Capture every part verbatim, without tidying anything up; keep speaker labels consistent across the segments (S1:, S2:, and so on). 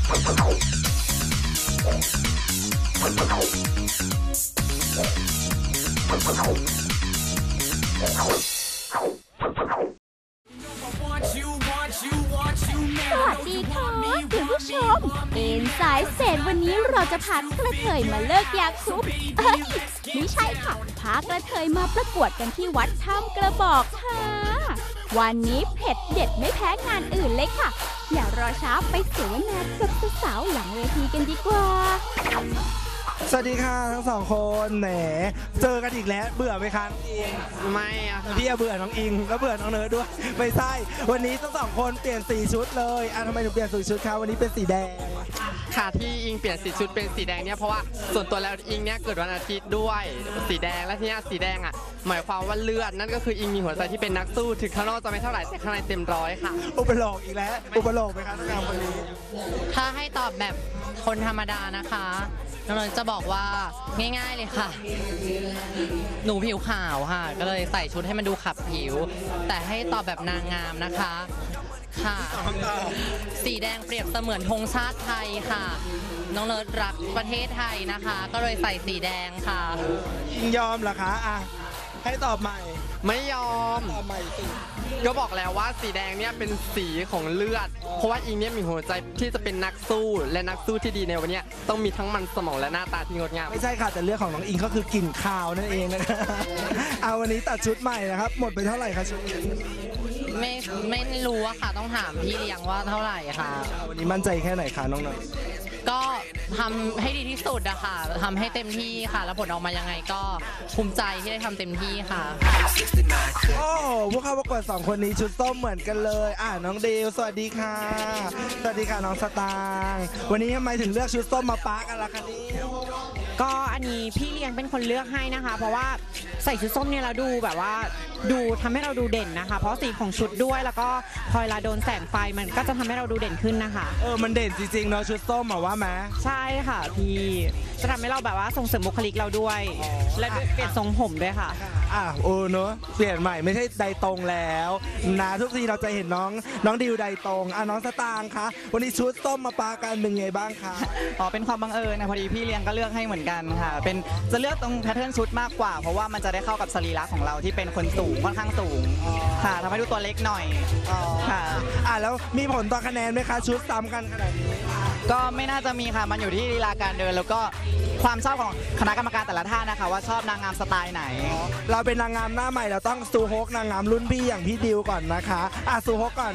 S1: สวัสดีค่ะคุณผู้ชมเอ็นสายเศษวันนี้เราจะพากระเทยมาเลิกยาคุปเอ้ยไม่ใช่ค่ะพากระเทยมาประกวดกันที่วัดถ้ำกระบอกค่ะวันนี้เผ็ดเด็ดไม่แพ้งานอื่นเลยค่ะอย่ารอช้าไปเสวนากับสาวๆหลังเวทีกันดีกว่า
S2: สวัสดีค่ะทั้งสองคนแหมเจอกันอีกแล้วเบื่อไหมคะน้องอิง
S3: ไม่อะ
S2: พี่เบื่อน้องอิงแล้วเบื่อน้องเนิร์ดด้วยไม่ใช่วันนี้ทั้งสองคนเปลี่ยนสีชุดเลยอ่ะทำไมถึงเปลี่ยนสีชุดคะวันนี้เป็นสีแดง
S3: ค่ะที่อิงเปลี่ยนสีชุดเป็นสีแดงเนี่ยเพราะว่าส่วนตัวแล้วอิงเนี่ยเกิดวันอาทิตย์ด้วยสีแดงและที่นี่สีแดงอ่ะหมายความว่าเลือดนั่นก็คืออิงมีหัวใจที่เป็นนักสู้ถึงข้างนอกจะไม่เท่าไหร่แต่ข้างในเต็มร้อยค่ะ
S2: อุปโลกอีกแล้วอุปโลกไหมคะน้องงามคนนี้
S4: ถ้าให้ตอบแบบคนธรรมดานะคะน้องจะบอกว่าง่ายๆเลยค่ะหนูผิวขาวค่ะก็เลยใส่ชุดให้มันดูขับผิวแต่ให้ตอบแบบนางงามนะคะค่ะสีแดงเปรียบเสมือนธงชาติไทยค่ะน้องเนิร์ดรักประเทศไทยนะคะก็เลยใส่สีแดงค่ะ
S2: ยิงยอมเหรอคะอ่ะให้ตอบใหม่
S3: ไม่ยอม
S2: ตอบใหม่สิ
S3: ก็บอกแล้วว่าสีแดงเนี่ยเป็นสีของเลือดเพราะว่าอิงเนี่ยมีหัวใจที่จะเป็นนักสู้และนักสู้ที่ดีในวันนี้ต้องมีทั้งมันสมองและหน้าตาที่งดงาม
S2: ไม่ใช่ค่ะแต่เลือดของน้องอิงก็คือกลิ่นคาวนั่นเองนะคะเอาวันนี้ตัดชุดใหม่นะครับหมดไปเท่าไหร่คะชุด
S4: ไม่ไม่รู้อะค่ะต้องถามพี่เลี้ยงว่าเท่าไหร่ค่ะ
S2: วันนี้มั่นใจแค่ไหนคะน้อง
S4: ๆก็ทำให้ดีที่สุดอะค่ะทำให้เต็มที่ค่ะแล้วผลออกมายังไงก็ภูมิใจที่ได้ทำเต็มที่ค่ะ
S2: โอ้พวกเขาประกวดสองคนนี้ชุดส้มเหมือนกันเลยอ่ะน้องเดลสวัสดีค่ะสวัสดีค่ะน้องสตางค์วันนี้ทำไมถึงเลือกชุดส้มมาปากันล่ะคะนี่
S5: ก็อันนี้พี่เลี้ยงเป็นคนเลือกให้นะคะเพราะว่าใส่ชุดส้มเนี่ยเราดูแบบว่าดูทำให้เราดูเด่นนะคะเพราะสีของชุดด้วยแล้วก็พอเวลาโดนแสงไฟมันก็จะทำให้เราดูเด่นขึ้นนะคะ
S2: เออมันเด่นจริงๆเนาะชุดส้มอะว่าไหม
S5: ใช่ค่ะพี่จะทำให้เราแบบว่าส่งเสริมบุคลิกเราด้วยและเปลี่ยนทรงผมด้วยค่ะ
S2: อ่ะโอ้เนอะเปลี่ยนใหม่ไม่ใช่ไดตรงแล้วนะทุกทีเราจะเห็นน้องน้องดิวไดตรงอ่ะน้องสตางค์คะวันนี้ชุดส้มมาปากันเป็นไงบ้างคะ
S6: อ๋อเป็นความบังเอิญนะพอดีพี่เลี้ยงก็เลือกให้เหมือนกันค่ะเป็นจะเลือกตรงแพทเทิร์นชุดมากกว่าเพราะว่ามันจะได้เข้ากับสรีระของเราที่เป็นคนสูงค่อนข้างสูงค่ะทำให้ดูตัวเล็กหน่อย
S2: ค่ะอ่ะแล้วมีผลต่อคะแนนไหมคะชุดซ้ำกันขนาดนี้
S6: ก็ไม่น่าจะมีค่ะมันอยู่ที่ลีลาการเดินแล้วก็ความชอบของคณะกรรมการแต่ละท่านนะคะว่าชอบนางงามสไตล์ไหน
S2: เราเป็นนางงามหน้าใหม่เราต้องซูฮกนางงามรุ่นพี่อย่างพี่ดิวก่อนนะคะอ่ะซูฮกก่อน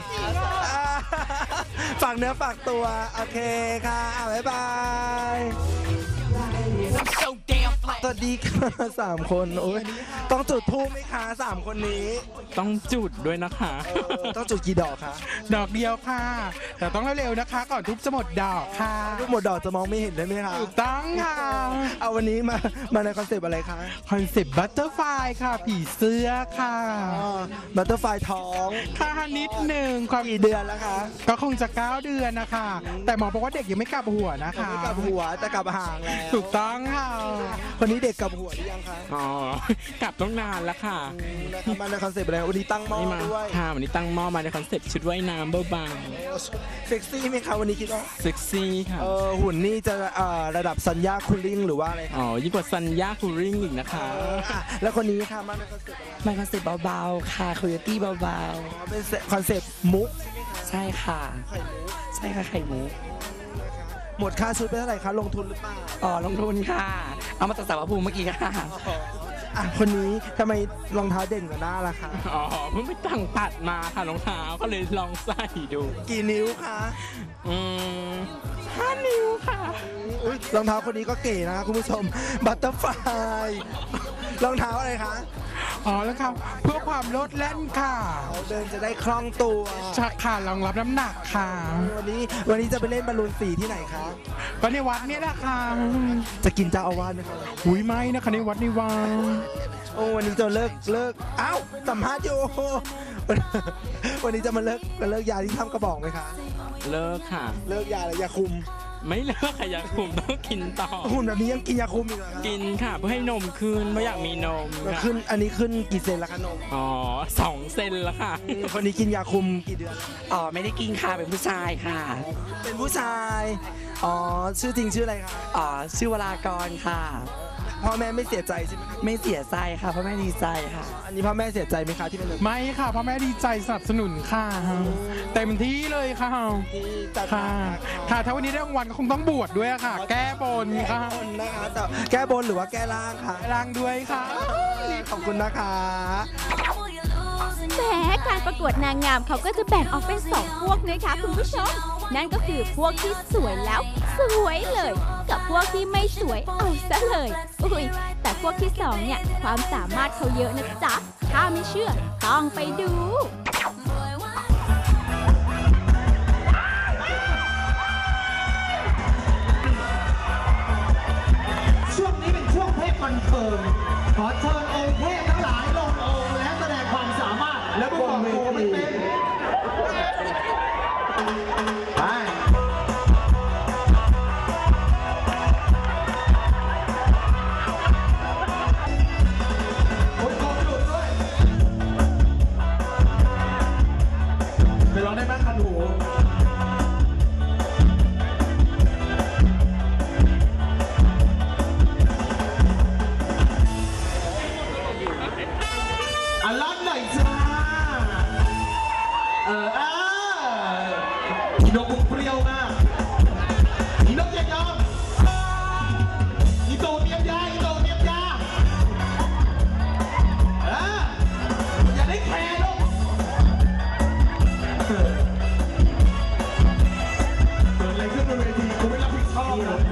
S2: ฝากเนื้อฝากตัวโอเคค่ะบ๊ายบายสวัสดีค่ะสามคนโอ้ยต้องจุดธูปไหมคะสามคนนี้
S7: ต้องจุดด้วยนะคะ
S2: ต้องจุดกี่ดอกคะ
S7: ดอกเดียวค่ะแต่ต้องเร็วๆนะคะก่อนทุบจะหมดดอกค่ะ
S2: ทุบหมดดอกจะมองไม่เห็นได้ไหมคะ
S7: ถูกต้องค่ะ
S2: เอาวันนี้มามาในคอนเซปต์อะไรคะ
S7: คอนเซปต์บัตเตอร์ไฟค่ะผีเสื้อค่ะ
S2: บัตเตอร์ไฟท้อง
S7: ค่ะนิดหนึ่ง
S2: ความกี่เดือนแล้วคะ
S7: ก็คงจะเก้าเดือนนะคะแต่หมอบอกว่าเด็กยังไม่กลับหัวนะคะ
S2: ไม่กลับหัวแต่กลับหางแล้ว
S7: ถูกต้องค่ะ
S2: คนนี้เด็กกลับหัวหรือยังคะ
S7: อ๋อกลับต้องนานแล้วค่ะ
S2: มาในคอนเซปต์อะไรวันนี้ตั้งหม้อด้วย
S7: ค่ะวันนี้ตั้งหม้อมาในคอนเซปต์ชุดว่ายน้ำเบา
S2: ๆเซ็กซี่ไหมคะวันนี้คิดว่า
S7: เซ็กซี่ค่ะ
S2: เออหุ่นนี่จะระดับสัญญาคูลิ่งหรือว่าอะไร
S7: อ๋อยิ่งกว่าสัญญาคูลิ่งอีกนะคะ
S2: แล้วคนนี้ค่ะมาในคอนเซปต์
S6: มาคอนเซปต์เบาๆค่ะคุยตี้เบา
S2: ๆเป็นคอนเซปต์มุก
S6: ใช่ค่ะใช่ค่ะไข่มุก
S2: หมดค่าชุดไปเท่าไหร่คะลงทุนหรือเปล่า
S6: อ๋อลงทุนค่ะเอามาจากสาวภูมิเมื่อกี้ค่ะ
S2: อ่ะคนนี้ทำไมรองเท้าเด่นกว่าหน้าล่ะคะ
S7: อ๋อเพิ่งไปตั้งตัดมาค่ะรองเท้าก็เลยลองใส่ดู
S2: กี่นิ้วคะ
S7: อืมห้านิ้วค่ะ
S2: อุ้ยรองเท้าคนนี้ก็เก๋นะคะคุณผู้ชมบัตเตอร์ไฟรองเท้าอะไรคะ
S7: อ๋อแล้วครับเพื่อความโลดแล่นค่ะ
S2: เดินจะได้คล่องตัว
S7: ชักค่ะรองรับน้ำหนักค่ะ
S2: วันนี้วันนี้จะไปเล่นบอลลูนสีที่ไหนคะ
S7: ก็ในวัดนี่แหละค่ะ
S2: จะกินเจ้าอาวาสไหมคะ
S7: หุยไม่นะคะในวัดในวัด
S2: โอ้วันนี้จะเลิกเลิกอ้าวสัมภาษณ์อยู่วันนี้จะมาเลิกเลิกยาที่ทำกระบอกไหมคะ
S7: เลิกค่ะ
S2: เลิกยาอะไรยาคุม
S8: ไม่เลิกค่ะยาคุมต้องกินต่อ
S2: หุ่นแบบนี้ยังกินยาคุมอีกเหรอครับ
S8: กินค่ะเพื่อให้นมขึ้นไม่อยากมีนม
S2: แล้ว
S8: ค่ะ
S2: ขึ้นอันนี้ขึ้นกี่เซนแล้วคะนม
S8: อ๋อสองเซนแล้วค่ะ
S2: คนนี้กินยาคุมกี่เดือนแล้ว
S9: อ๋อไม่ได้กินค่ะเป็นผู้ชายค่ะ
S2: เป็นผู้ชาย อ๋อ ชื่อจริงชื่ออะไรคะ
S9: อ๋อชื่อวรากรค่ะ
S2: พ่อแม่ไม่เสียใจใช่ไหมครับ
S9: ไม่เสียใจค่ะเพราะแม่ดีใจค่ะ
S2: อันนี้พ่อแม่เสียใจไหมคะที่เป็นแบบ
S7: ไม่ค่ะพ่อแม่ดีใจสนับสนุนค่ะ เต็มที่เลยค่ะ
S2: ที่จัด
S7: ค่ะ ค่ะถ้าวันนี้ได้รางวัลก็คงต้องบวชด้วยค่ะ แก้บน
S2: แก้
S7: ค่ะ
S2: บนนะคะแต่แก้บนหรือว่าแก้ล่างคะ
S7: ร่างด้วยค่ะ
S2: ขอบคุณนะคะ
S1: แหมการประกวดนางงามเขาก็จะแบ่งออกเป็นสองพวกนะคะคุณผู้ชม นั่นก็คือพวกที่สวยแล้วสวยเลย กับพวกที่ไม่สวยเอาซะเลยอุ้ยแต่พวกที่สองเนี่ยความสามารถเขาเยอะนะจ๊ะถ้าไม่เชื่อต้องไปดู
S10: ช่วงนี้เป็นช่วงเทพคอนเฟิร์มขอเชิญองค์เทพทั้งหลายลงองค์และแสดงความสามารถแล้วก็บอกโกไม่เป็นไปคนโกหลุดด้วยไปร้องได้บ้างคันหูอันลันหน่อยจ้า เออเอออีนกเปรี้ยวมากอีนกอย่ายอมอีโตเมียมยาอีโตเมียมยาเอออย่าได้แคร์ลูกเกิดอะไรขึ้นบนเวทีกูไม่รับผิดชอบนะ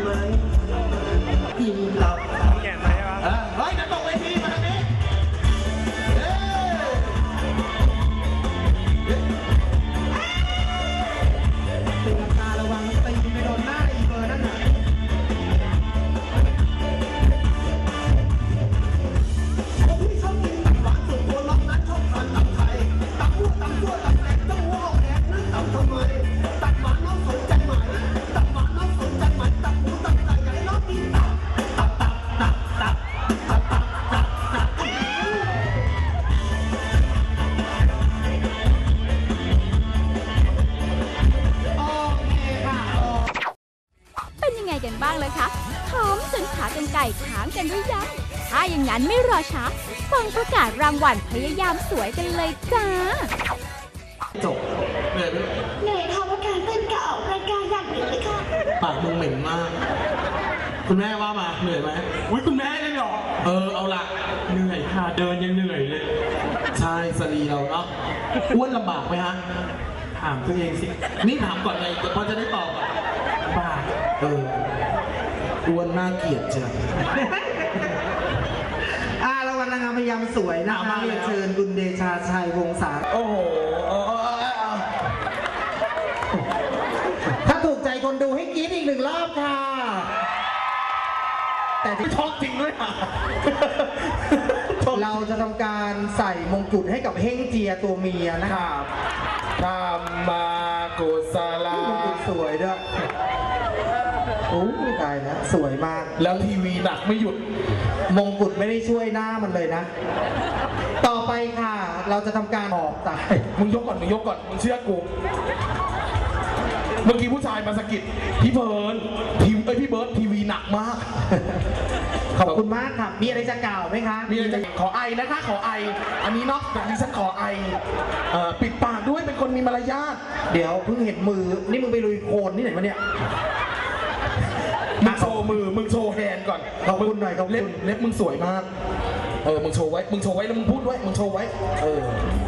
S10: กินตับแก่ไหมวะเฮ้ยนั่นตกเวทีมาทางนี้ตีลังการะวังตีไปโดนหน้าอีเบอร์นั่นน่ะผมที่ชอบกินตับหวานส่วนตัวล็อกนั้นชอบทานตับไทยตับหัวตับตัวตับแตกต้องหัวออกแดงนั่นตับทำไมตับหวานน้องสนใจไหมตับหวานน้องสนใจไหมตับหมูตับไก่อยากให้น้องกินตับตับตับตับตับตับตับตับตับโอเคค่ะ
S1: เป็นยังไงกันบ้างเลยคะหอมจนขากรรไก่ค้างกันหรือยังถ้าอย่างนั้นไม่รอช้าฟังประกาศรางวัลพยายามสวยกันเลยจ้า
S10: จบเหนื่อยไหม
S11: เหนื่อยค่ะว่าการเต้นกับออกรายการอย่างหนึ่งเลยค่ะ
S10: ปากมึงเหม็นมาก คุณแม่ว่ามาเหนื่อยไหมอุ้ยคุณแม่เลยเหรอ เออเอาละเหนื่อยค่ะเดินยังเหนื่อยเลย ใช่สรีเราเนาะอ้วนลำบากไหมฮะถามตัวเองสิ นี่ถามก่อนไงพอจะได้ตอบอ่ะลำบากเอออ้วนน่าเกลียดเชียว
S12: อ่ารางวัลนางงามพยายามสวยนะคะ
S10: มาแล้ว
S12: เรียนเชิญคุณเดชาชัยวงศา
S10: โอ้โหเออเออเออเออ
S12: ถ้าถูกใจคนดูให้กรี๊ดอีกหนึ่งรอบค่ะ แต่ที่
S10: ชอบจริงด้วยอ่ะ
S12: เราจะทำการใส่มงกุฎให้กับเฮงเจียตัวเมียนะครับ
S10: ธรรมากุศลาม
S12: งกุฎสวยด้วยโอ้ยตายแล้วสวยมาก
S10: แล้วทีวีหนักไม่หยุด
S12: มงกุฎไม่ได้ช่วยหน้ามันเลยนะ ต่อไปค่ะ เราจะทำการออกตาย
S10: มึงยกก่อน มึงยกก่อน มึงเชื่อกู เมื่อกี้ผู้ชายมาสะกิดพี่เบิร์ดทีมเอ้ยพี่เบิร์ดทีวีหนักมาก
S12: ขอบคุณมากครับ มีอะไรจะกล่าวไหมคะ
S10: มีอะไรจะขอไอนะคะ ขอไอ อันนี้เนาะแบบนี้ฉันขอไอเอ่อปิดปากด้วยเป็นคนมีมารยาท
S12: เดี๋ยวเพิ่งเห็นมือ นี่มึงไปลุยโคลนที่ไหนมาเนี่ย
S10: มึงโชว์มือ มึงโชว์แฮนด์ก่อน
S12: ขอบคุณหน่อยขอบคุณ
S10: เล็บเล็บมึงสวยมาก เออ มึงโชว์ไว้ มึงโชว์ไว้แล้วมึงพูดด้วย มึงโชว์ไว้ เออ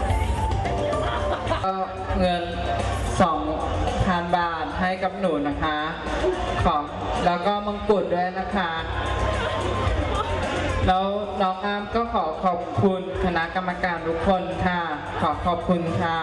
S13: เงิน สองพัน บาทให้กับหนูนะคะขอแล้วก็มงกุฎด้วยนะคะ แล้วน้องอามก็ขอขอบคุณคณะกรรมการทุกคนค่ะ ขอขอบคุณค่ะ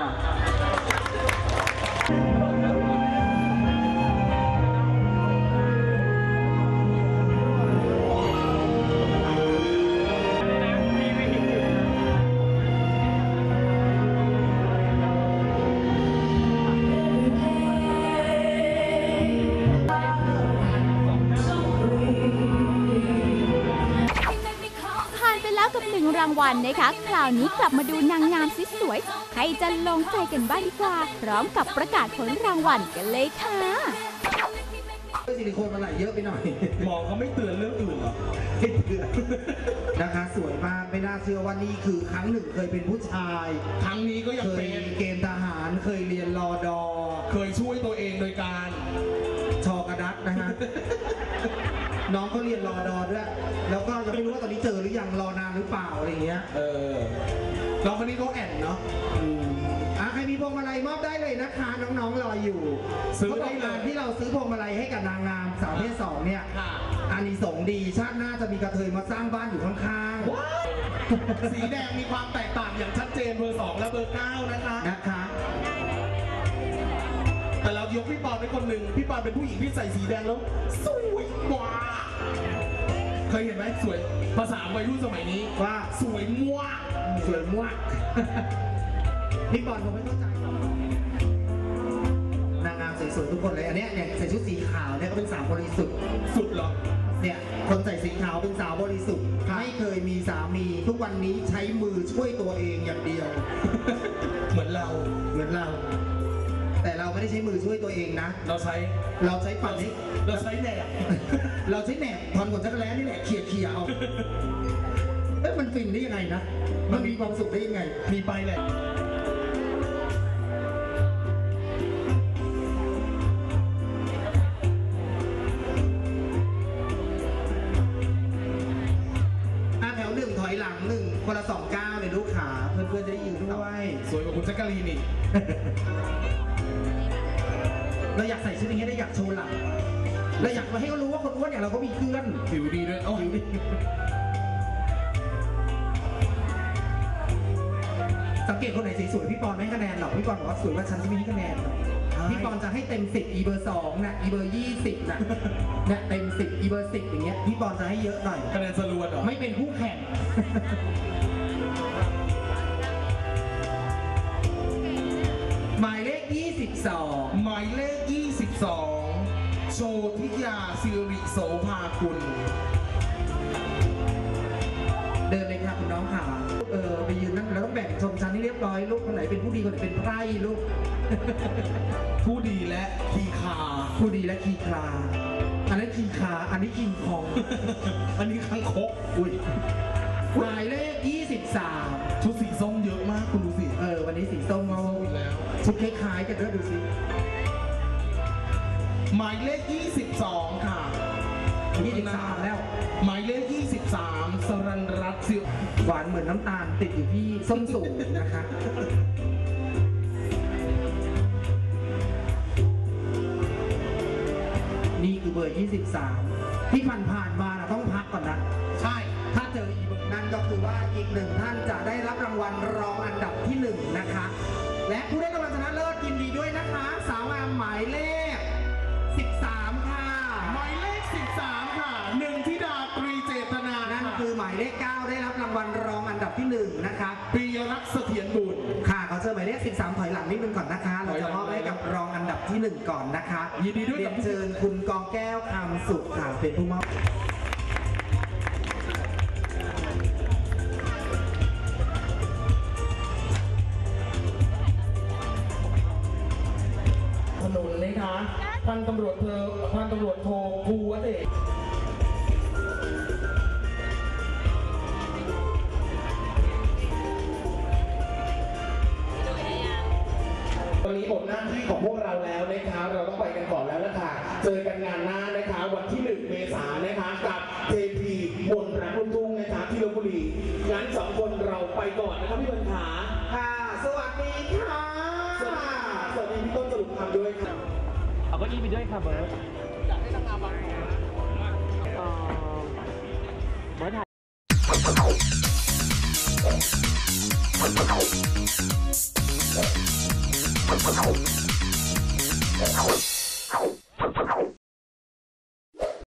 S1: างวัลนะคะคราวนี้กลับมาดูนางงามสวยๆให้จะลงใจกันบ้างดีกว่าพร้อมกับประกาศผลรางวัลกันเลยค่ะ
S12: ซิลิโคนมาไหลเยอะไปหน่อย
S10: หมอเขาไม่เตือนเรื่องอื่นหรอ
S12: ไม่เตือนนะคะสวยมากไม่น่าเชื่อว่านี่คือครั้งหนึ่งเคยเป็นผู้ชาย
S10: ครั้งนี้ก็ยังเป็น
S12: เกณฑ์ทหารเคยเรียนรอดอ
S10: เคยช่วยตัวเองโดยการ
S12: ชอกระดักนะฮะน้องเขาเรียนรอดอด้วยแล้วก็ยังไม่รู้ว่าตอนนี้เจอหรือยังรอนานหรือเปล่าอะไรเงี้ย
S10: เออน้องคนนี้เขาแอนเนาะ
S12: อ่ะใครมีพวงมาลัยมอบได้เลยนะคะน้องๆรออยู่ซื้อได้เลยที่เราซื้อพวงมาลัยให้กับนางงามสาวเพศสองเนี่ยอานิสงส์ดีชาติหน้าจะมีกระเทยมาสร้างบ้านอยู่ข้าง
S10: ๆสีแดงมีความแตกต่างอย่างชัดเจนเบอร์สองและเบอร์เก้านะคะ
S12: นะคะ
S10: แต่เรายกพี่ปอนเป็นคนหนึ่งพี่ปอนเป็นผู้หญิงที่ใส่สีแดงแล้วสวยกว่าเคยเห็นไหมสวยภาษาวัยรุ่นสมัยนี้
S12: ว่า
S10: สวยมั่ว
S12: สวยมั่วพี่ปอนผมไม่เข้าใจนางงามสวยๆทุกคนเลยอันนี้เนี่ยใส่ชุดสีขาวเนี่ยก็เป็นสาวบริสุทธิ์
S10: สุดหรอ
S12: เนี่ยคนใส่สีขาวเป็นสาวบริสุทธิ์ไม่เคยมีสามีทุกวันนี้ใช้มือช่วยตัวเองอย่างเดียว
S10: เหมือนเรา
S12: เหมือนเราแต่เราไม่ได้ใช้มือช่วยตัวเองนะ
S10: เราใช้
S12: เราใช้ปั่นนี้
S10: เราใช้แหนบ
S12: เราใช้แหนบทอนขนจักรแล้นี่แหละเขี่ยเขี่ยเอาเอ๊ะมันฟินได้ยังไงนะมันมีความสุขได้ยังไง
S10: มีไปแหละ
S12: แถวหนึ่งถอยหลังหนึ่งคนละสองก้าวเลยลูกขาเพื่อนๆจะได้ยืนด้วย
S10: สวยกว่าคุณแจ๊กกะลีนอีก
S12: เราอยากใส่ชุดอย่างนี้ได้อยากโชว์หลังเราอยากมาให้เขารู้ว่าคนอ้วนอย่างเราก็มีเพื่อน
S10: ผิวดีด้วยโอ้ผิวดี
S12: สังเกตคนไหนสวยๆพี่ปอนไม่คะแนนหรอกพี่ปอนบอกว่าสวยว่าฉันจะไม่ให้คะแนนพี่ปอนจะให้เต็มสิบอีเบอร์สองนะอีเบอร์ยี่สิบนะเนี่ยเต็มสิบอีเบอร์สิบอย่างเงี้ยพี่ปอนจะให้เยอะหน่อย
S10: คะแนนสรวนเหรอ
S12: ไม่เป็นคู่แข่งหมายเลขยี่สิบสอง
S10: หมายเลขยี่สิบสองโชติยาสิริโสภาคุณ
S12: เดินเลยค่ะคุณน้องค่ะเออไปยืนนั่นแล้วต้องแบ่งชมชั้นให้เรียบร้อยลูกคนไหนเป็นผู้ดีคนไหนเป็นไพร่ลูก
S10: ผู้ดีและคีคา
S12: ผู้ดีและคีคาอันนี้คีคาอันนี้คิงคอง
S10: อันนี้คังคก
S12: อุ้ยหมายเลขยี่สิบสาม
S10: ชุดสีส้มเยอะมากคุณดูสิ
S12: เออวันนี้สีส้มมาแล้วชุดคล้ายๆกันด้วยดูสิ
S10: หมายเลขยี่สิบสองค่ะ
S12: ยี่สิบสามแล้ว
S10: หมายเลขยี่สิบสามสรัญรัตน์สิว
S12: หวานเหมือนน้ำตาลติดอยู่ที่ส้นสูงนะคะนี่คือเบอร์ยี่สิบสามที่ผ่านผ่านมานะต้องพักก่อนนะ
S10: ใช่
S12: ถ้าเจออีกนั่นก็คือว่าอีกหนึ่งท่านจะได้รับรางวัลรองอันดับที่หนึ่งนะคะและผู้ได้รางวัลชนะเลิศยินดีด้วยนะคะสาวงามหมายเลขสิบสามค่ะ
S10: หมายเลขสิบสามค่ะหนึ่งธิดาตรีเจตนา
S12: นั่นคือหมายเลขเก้าได้รับรางวัลรองอันดับที่หนึ่งนะคะ
S10: ปีรักษ์เสถียรบุตร
S12: ค่ะเขาเจอหมายเลขสิบสามถอยหลังนิดนึงก่อนนะคะเราจะมอบให้กับรองอันดับที่หนึ่งก่อนนะคะ
S10: ยินดีด้วย
S12: เรียนเชิญคุณกองแก้วคำสุขค่ะเป็นผู้มอบ
S10: ถนนเลยคะพันตำรวจเธอพันตำรวจโทภูวเดชตอนนี้หมดหน้าที่ของพวกเราแล้วนะคะเราต้องไปกันก่อนแล้วนะคะเจอกันงานหน้านะคะวันที่หนึ่งเมษายนนะคะกับเทพีมนรักลูกทุ่งนะคะที่ลพบุรีงั้นสองคนเราไปก่อนนะครับพี่บรรหา
S12: ค่ะสวัสดีค่ะ
S10: สวัสดีพี่ต้นสรุปคำด้วยค่ะ
S8: เอาก็อีไปด้วยค่ะเบิร์ดอยากให้ทำงานบางเบิร์ดถ่าย